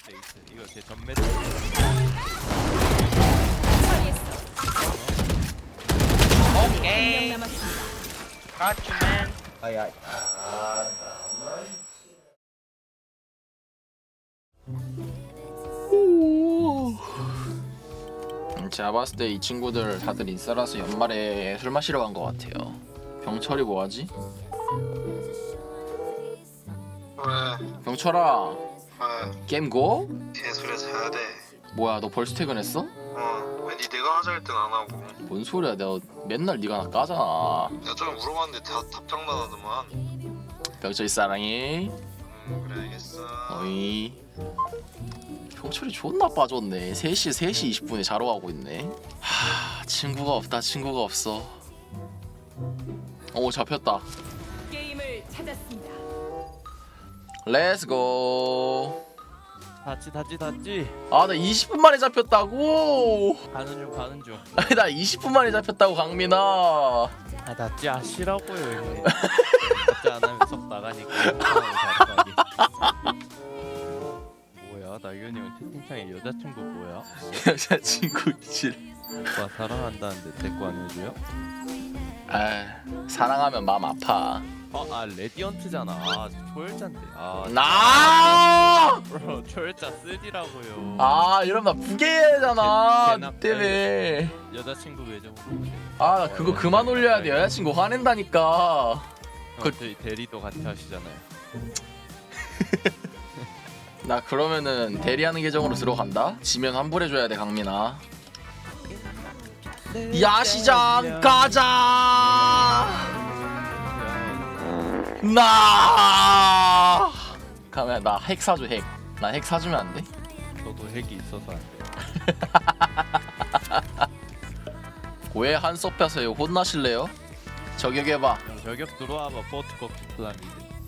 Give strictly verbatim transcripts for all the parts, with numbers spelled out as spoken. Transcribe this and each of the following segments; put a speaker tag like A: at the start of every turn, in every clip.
A: 레이스. 이거 제 전매를.
B: 오케이. 가츠맨.
C: 아이 아이.
D: 제가 봤을 때 이 친구들 다들 인싸라서 연말에 술 마시러 간 것 같아요. 병철이 뭐하지?
E: 왜?
D: 병철아
E: 왜?
D: 게임 고?
E: 개소리 자야 돼.
D: 뭐야 너 벌써 퇴근했어?
E: 어, 왜 니 내가 하자 할 땐 안 하고.
D: 뭔 소리야 내가 맨날 네가 나 까잖아.
E: 내가 좀 물어봤는데 다 답장 나가더만.
D: 병철이 사랑해.
E: 음, 그래 알겠어.
D: 어이. 병철이 존나 빠졌네. 세 시 세 시 이십 분에 자러 가고 있네. 하 친구가 없다 친구가 없어. 오 잡혔다.
F: 게임을 찾았습니다.
D: 렛츠고.
A: 닫지 닫지 닫지.
D: 아 나 이십 분 만에 잡혔다고.
A: 가는 중 가는 중.
D: 아니 나 이십 분 만에 잡혔다고 강민아.
A: 아 닫지 아시라고요 이거. 닫지 안 하면 속 나가니까. 뭐야 나윤이 형 채팅창에 여자친구 뭐야?
D: 여자친구 질.
A: 오빠 사랑한다는데 데리고 안 해줘요?
D: 아 사랑하면 마음 아파.
A: 어아 레디언트잖아. 아 초열자인데. 아
D: 나.
A: 브로 초열자 쓰디라고요.
D: 아 이러면 나 부계잖아.
A: 개- 개나-
D: 니 때문에.
A: 여자친구 외적으로.
D: 아 나 그거 그만 올려야 돼. 여자친구 화낸다니까.
A: 그 저희 대리도 같이 하시잖아요.
D: 나 그러면은 대리하는 계정으로 들어간다. 지면 환불해줘야 돼 강민아. 야시장 가자. 나. 가면 나 핵 사줘 핵. 나 핵 사주면 안 돼?
A: 저도 핵이 있어서 안 돼.
D: 왜 한섭 펴서요? 혼나실래요? 저격해봐.
A: 형 저격 들어와봐 포트코 플라미드.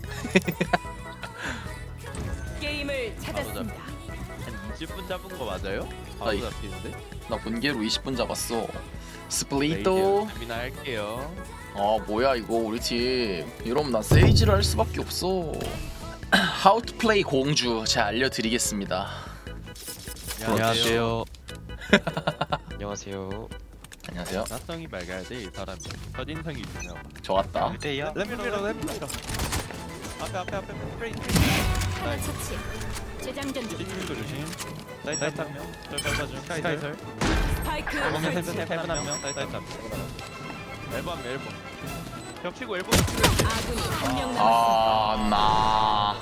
F: 게임을 찾았습니다.
A: 한 이십 분 잡은 거 맞아요? 바로
D: 아이.
A: 잡히는데?
D: 나 본계로 이십 분 잡았어. 스플리토.
A: 준비나 할게요.
D: 아 뭐야 이거 우리 팀. 이러면 난 세이지를 할 수밖에 없어. How to play 공주 제가 알려드리겠습니다.
A: 안녕하세요.
C: 안녕하세요.
D: 안녕하세요.
A: 나성이 밝아야 돼 이 사람이. 첫인상이 중요하고.
D: 좋았다.
C: 대야.
A: 랩밀러 랩밀러. 앞에 앞에 앞에 프레이 프레이. 나이스.
F: 처치. 재장전 중.
A: 뒷줄도 조심. 사이트 한 명. 절 중. 스카이설.
F: 스파이크
A: 앨범 헤븐
F: 설치.
A: 헤븐 한 명. 사이트 사이트 한 명. 앨범 앨범. 벽치고 앨범.
F: 아군이 한 명 남았습니다.
D: 아 나.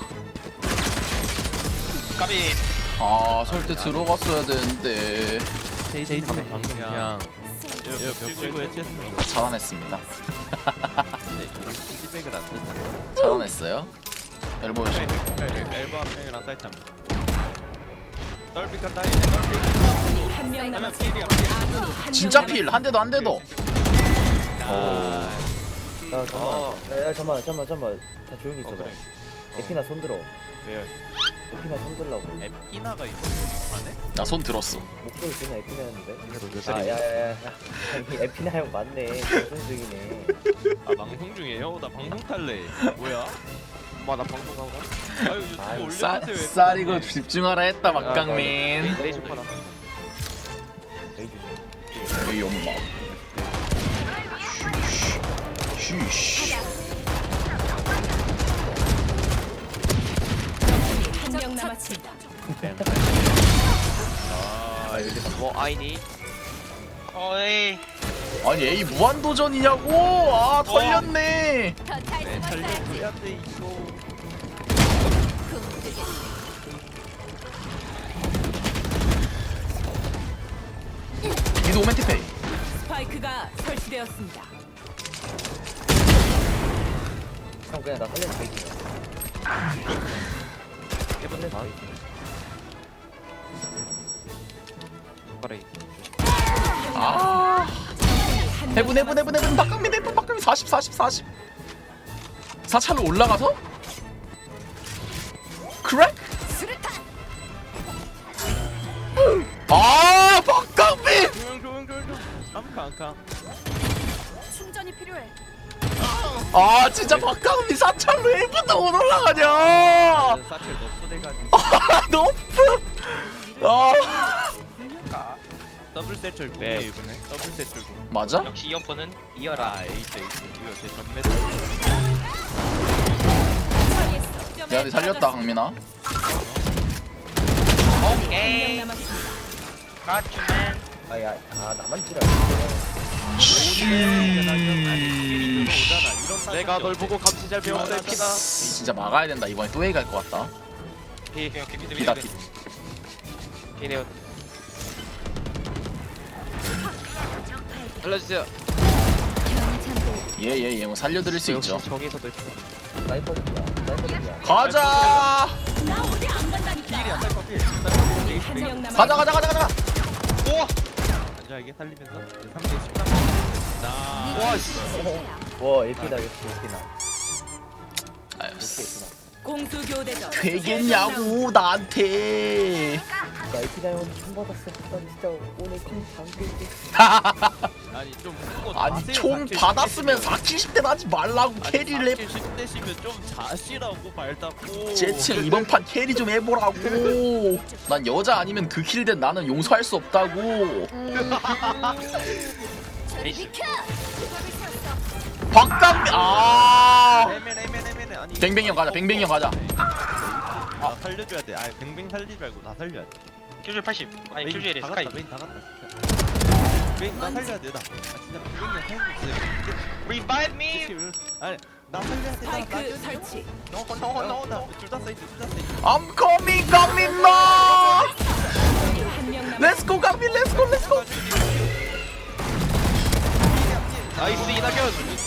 E: 까비.
D: 아 설때 들어갔어야 되는데.
A: 제이제이 방금 그냥 벽치고 해치했습니다.
D: 차단했습니다.
A: 네, 피드백을 안 듣는.
D: 차단했어요? 앨범
A: 앨범 한 명이랑 사이트 한 명. 떨비카 따이네 떨비.
F: 한 명
A: 하면
F: 남았습니다.
A: 필이야.
F: 아군이 한
D: 진짜
F: 명
D: 필 한 대도 한 대도.
A: 아,
C: 야 잠만. 야 잠만 잠만 잠만. 다 조용히
A: 어,
C: 있어봐.
A: 그래.
C: 에피나 손 들어.
A: 왜요?
C: 에피나 손 들라고.
A: 에피나가 있어 안에?
D: 나 손 들었어.
C: 목소리 그냥 에피나였는데.
A: 몇
C: 아 야야야. 아니 에피나 형 맞네. 방송 중이네.
A: 아 방송 중이에요? 나 방송 탈래. 뭐야? 와나 방송 가고. 아유 유튜브
C: 아유,
A: 올려주세요.
D: 쌀 쌀이고 집중하라 했다 막강민.
C: 레이저 파나. 레이저.
D: 이 엄마. 쉬쉬.
F: 한 명 남았습니다.
A: 아 여기서 뭐 아이니?
E: 어이.
D: 아니 A 무한 도전이냐고? 아 털렸네.
F: 더 타이트
A: 네
F: 더 타이트.
A: 살려줘야 돼 이거.
D: 미드 오멘 티페이.
F: 스파이크가 설치되었습니다.
C: 형 그냥 나 살려서 베이킹이야. 살려서 베이킹.
D: 아
F: 한 명
D: 해분 해분 해분 해분 박강민 해분 박강민 사십 사십 사십. 사찰로 올라가서? 크랙?
F: 수류탄.
D: 아 박강민.
A: 조용 조용 조용 조용. 암카 암카.
F: 충전이 필요해.
D: 아 진짜 박강민 사찰로 일 분도 못 올라가냐.
A: 사실 너프 돼가지고.
D: 아 너프.
A: 더블 세철 네 이번에 더블 세철
D: 맞아?
B: 역시 이어폰은 이어라.
A: 아 에이스 에이스 이거 제 전매
F: 처리했어.
D: 야, 니 살렸다 강민아.
B: 오케이.
F: 한명 남았습니다.
B: Got you, man.
C: 아야 아 나만 찌라.
A: 내가 널 보고 감시 잘 배웠다 피다
D: 진짜 막아야 된다. 이번에 또 A 갈 것 같다.
B: 오케이, 오케이, 오케이. 미드, 미드,
D: 비다
B: 미드.
D: 비.
A: 이네요 알려주세요
D: 예예예 뭐 살려드릴 수 있죠.
A: 정에서도 있어
C: 사이퍼즈야 사이퍼즈야.
D: 가자.
F: 나 어디 안 간다니까. 한명 남았.
D: 가자 가자 가자 가자.
B: 우와!
A: 안전하게 살리면서 삼 대 십삼 나
C: 와 에피다 역시 에피나.
D: 아유,
C: 에피나.
F: 공수 교대전.
D: 되겠냐고 나한테.
C: 나 에피나 형 총 받았어. 나 진짜 오늘 총 당길게.
A: 아니 좀 그거
D: 아니
A: 자세히
D: 총
A: 삭제
D: 받았으면
A: 시키시면-
D: 사칠십 대 나지 말라고 캐리를 해.
A: 십 대시면 좀 자시라고 발 닦고
D: 제츠 이번 판 캐리 좀 해보라고. 난 여자 아니면 그 킬된 나는 용서할 수 없다고.
B: 에이스.
D: 박강민 아.
A: 에멘 에멘 에멘 아니
D: 뱅뱅이 형 가자, 뱅뱅이 형 가자.
A: 아 살려줘야 돼. 아 뱅뱅 살리지 말고 나 살려야 돼.
B: 킬줄 팔십. 아니,
A: 메인
B: 킬줄이래,
A: 다
B: 스카이.
A: 갔다, 메인 다 갔다. 진짜. 메인 나 살려야 돼 나. 아 진짜 뱅뱅이 살리고 있어.
B: Revive me!
A: 아니 나 살려야 돼. 나
F: 스파이크 설치.
B: No, no, no, no.
A: 둘다 사이트 둘다 사이트.
D: I'm coming 강민 마.
F: 한명 남았.
D: Let's go 강민 Let's go Let's go.
B: 나이스, 이낙연!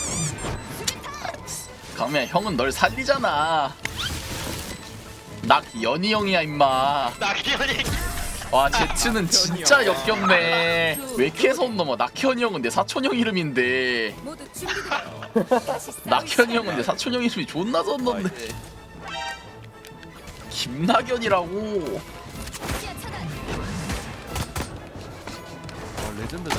D: 강민아 형은 널 살리잖아. 낙연이 형이야 임마.
B: 낙연이!
D: 와 제츠는 진짜 역겹네. 왜 이렇게 손 넘어? 낙현이 형은 내 사촌 형 이름인데.
F: 모두 준비돼.
D: 낙현이 형은 내 사촌 형 이름이 존나 손 넘네. 김낙연이라고.
A: 어 레전드다.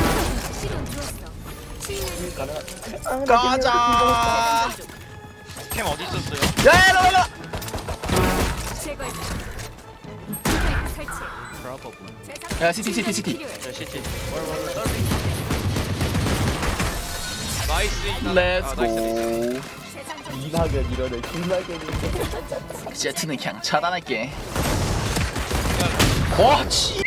D: 가자.
B: 캠 어디 있었어요?
D: 야 일로 일로.
F: 제거했어. 스파이크 설치.
A: 브라보.
D: 야 시티 시티 시티.
F: 필요해.
B: 야, 시티. 나이스, 이낙연. 아,
D: Let's
B: 나이스, 나이스.
D: go.
C: 이낙연 이러네. 김낙연이.
D: 제트는 그냥 차단할게. 와 치.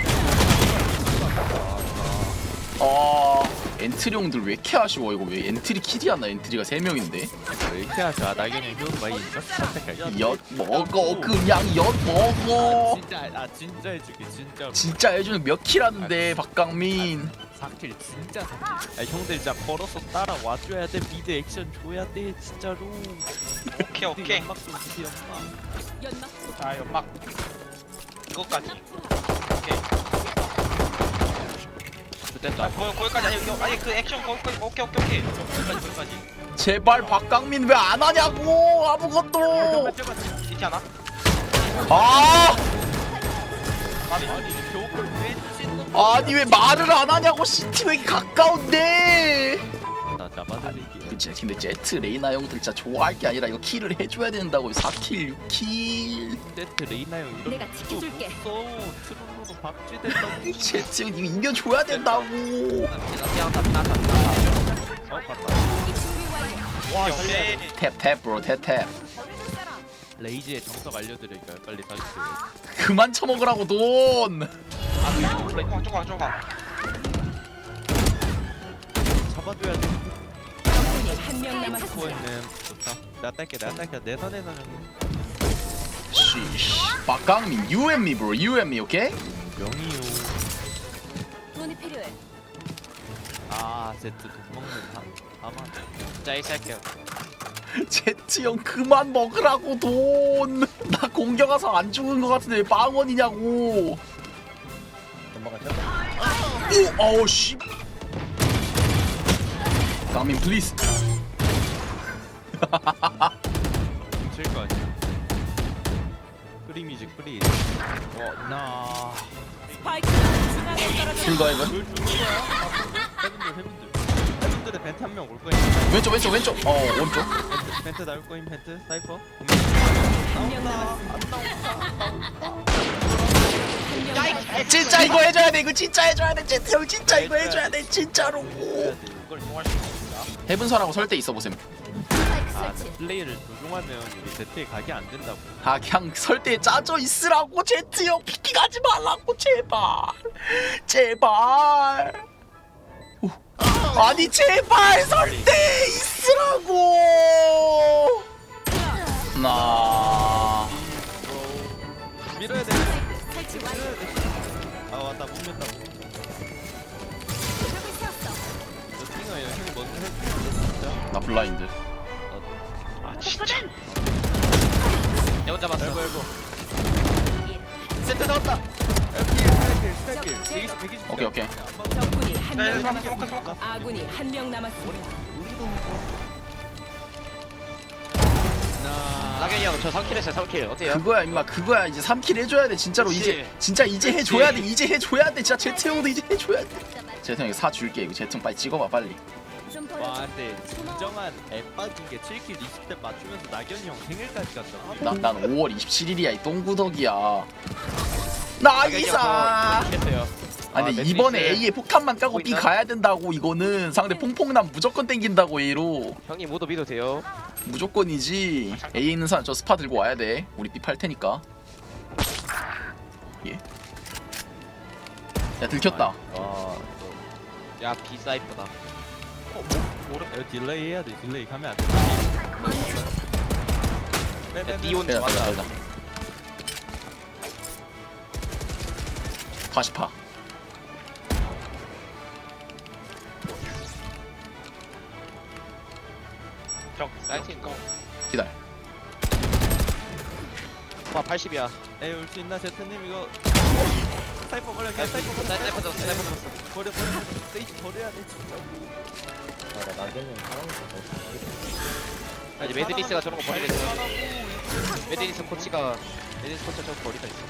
D: 아 엔트리용들 왜 이렇게 아쉬워. 이거 왜 엔트리 킬이 안 나. 엔트리가 세 명인데.
A: 왜 이렇게 하자. 나경이 효도 많이 있어. 선택할게.
D: 엿 먹어 그냥 엿 먹어.
A: 진짜 아 진짜 해줄게 진짜.
D: 진짜 해주는 몇 킬 하는데 박강민.
A: 사 킬 진짜 사 킬. 아 형들 진짜 걸어서 따라 와줘야 돼. 미드 액션 줘야 돼 진짜로.
B: 오케이, 오케이.
A: 연막 좀 주세요 연막.
F: 연막
B: 아, 연막. 이거까지. 오케이.
A: 됐다.
B: 아, 거, 거기까지 아니, 이거, 아니 그 액션 거기까지. 오케이, 오케이, 오케이. 거기까지, 거기까지.
D: 제발 박강민 왜 안 하냐고 아무것도.
B: 시티 하나?
D: 아
B: 아니,
A: 아니 겨울 왜 주신 놈?
D: 아니 왜 말을 안 하냐고. 시티 왜 이렇게 가까운데.
A: 나 잡아드릴게.
D: 그치 근데 제트 레이나 형들 진짜 좋아할 게 아니라 이거 킬을 해줘야 된다고. 사 킬 육 킬.
A: 세트 레이나 형 이런
F: 내가 지켜줄게.
A: 써 트롤로 박쥐된다고.
D: 제트 형 이거 이겨줘야 된다고.
A: 어 봤다.
B: 와, 오케이.
D: 탭탭 브로 탭탭.
A: 레이지의 정석 알려드릴까요? 빨리 사주세요.
D: 그만 처먹으라고 돈.
B: 아, 플레이. 조금, 조금, 조금.
A: 잡아줘야 돼.
F: 한명 남았어.
A: 코어는 좋다. 내가 딸게 내가 딸게 내 선에서는
D: 쉬쉬. 박강민 you and me bro you and me 오케이.
A: 명이요.
F: 돈이 필요해.
A: 아 제트 돈 먹는 다 아마.
B: 자, 이 새끼야.
D: 제트 형 그만 먹으라고 돈. 나 공격 와서 안 죽은 거 같은데 왜 빵원이냐고.
C: 엄마가 쳤다.
D: 오 어우 씨. 강민 플리즈.
A: 칠거 아니야. 프리미지 프리. 어나
F: 스파이크가 중앙에 떨어져.
D: 킬더이브.
A: 뭘 주는 거야? 해분들 해분들. 해분들의 벤트 한 명 올 거임.
D: 왼쪽 왼쪽 왼쪽. 어 오른쪽.
A: 벤트, 벤트 나올 거임 벤트 사이퍼.
F: 한명 남았어.
A: 안 나온다 안 나온다.
F: 한명
B: 야, 이
F: 남았어.
D: 진짜 이거 해줘야 돼. 이거 진짜 해줘야 돼. 제트 형 진짜 이거 해줘야 돼. 진짜로.
B: 이걸 이용할 수 있습니다.
D: 해븐설하고 설대 있어 보셈.
F: 스파이크
A: 아,
F: 설치.
A: 플레이를 조종하면 이게 제트에 각이 안 된다고.
D: 아 그냥 설대에 짜져 있으라고 제트 형 피키 가지 말라고 제발 제발. 오. 아니 제발 설대에 있으라고. 나.
A: 밀어야 돼.
F: 스파이크 설치 완료.
A: 아 맞다 못 밀다.
F: 벽을 세웠어.
A: 저 팅어예요. 형이 먼저 해. 진짜.
D: 나 블라인드.
B: 아 진짜. 내 혼자 봤어.
A: 알고 알고.
B: 세트 넣었다.
A: 스타킬 스타킬. 백이십 백이십.
D: 오케이 오케이.
F: 적군이 한
B: 네,
F: 명
B: 스모커,
F: 남았습니다.
B: 스모커, 스모커.
F: 아군이 한 명 남았습니다.
B: 나경이 형 저 삼 킬 했어요. 삼 킬 어때요?
D: 그거야 임마 그거야. 이제 삼 킬 해줘야 돼 진짜로.
B: 그치.
D: 이제 진짜 이제 해줘야 돼. 이제 해줘야 돼. 진짜 제트 형도 이제 해줘야 돼. 제트 형 이거 사 줄게. 이거 제트 형 빨리 찍어봐 빨리.
F: 좀
A: 와
F: 벌어줘.
A: 근데 진정한 앱박인 게 칠 킬 이십 대 맞추면서 낙연이 형 생일까지 갔다고.
D: 난, 난 오월 이십칠일이야 이 똥구덕이야. 나이사.
B: 했어요.
D: 아니
B: 아,
D: 이번에
B: 매트리스.
D: A에 폭탄만 까고
B: 보고
D: B
B: 있나?
D: 가야 된다고. 이거는 상대 퐁퐁남 무조건 땡긴다고. A로
B: 형님 모두 믿어도 돼요.
D: 무조건이지. A에 있는 사람 저 스파 들고 와야 돼. 우리 B 팔 테니까. 예. 야 들켰다.
A: 와.
B: 야 비사이프다.
A: 이거 딜레이 해야 돼. 딜레이 가면 안 돼.
B: 야, 니온
D: 빼자 빼자
B: 맞아.
D: 빼자. 다시 파.
B: 형 사이트인 거.
D: 기다려.
B: 와 팔십이야.
A: 에이 올 수 있나 제트님 이거. 사이퍼 버려. 그냥 사이퍼 버려.
B: 사이퍼 잡았어. 사이퍼 잡았어.
A: 버려 버려. 세이지 버려야 돼 진짜.
B: 아, 이제 매드니스가 저런 거 버리겠어. 매드니스 코치가 매드니스 코치 저거 버리다 있어.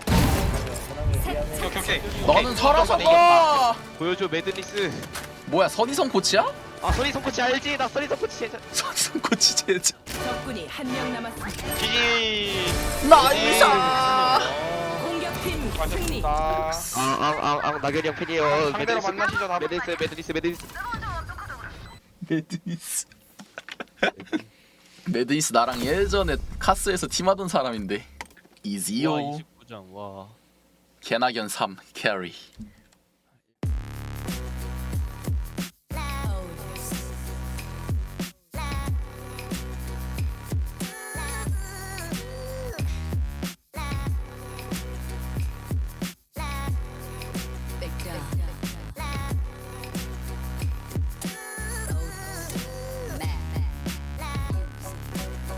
B: 오케이 오케이 오케이.
D: 너는 살아서
B: 이겼다.
D: 가.
B: 보여줘 매드니스.
D: 뭐야 선희성 코치야?
B: 아 써니성 코치 알지? 나 써니성 코치 진짜.
D: 선희성 코치 제자.
F: 적군이 한 명 남았습니다.
B: 지지.
D: 나이사.
F: 공격팀 승리.
B: 앙앙앙 나경이 형 팬이에요.
E: 상대로 만나시죠, 다.
B: 매드니스 매드니스 매드니스.
D: 매드니스. 매드니스 나랑 예전에 카스에서 팀하던 사람인데.
A: 와
D: 이지요.
A: 이십구 점 와.
D: 개나견 삼 캐리.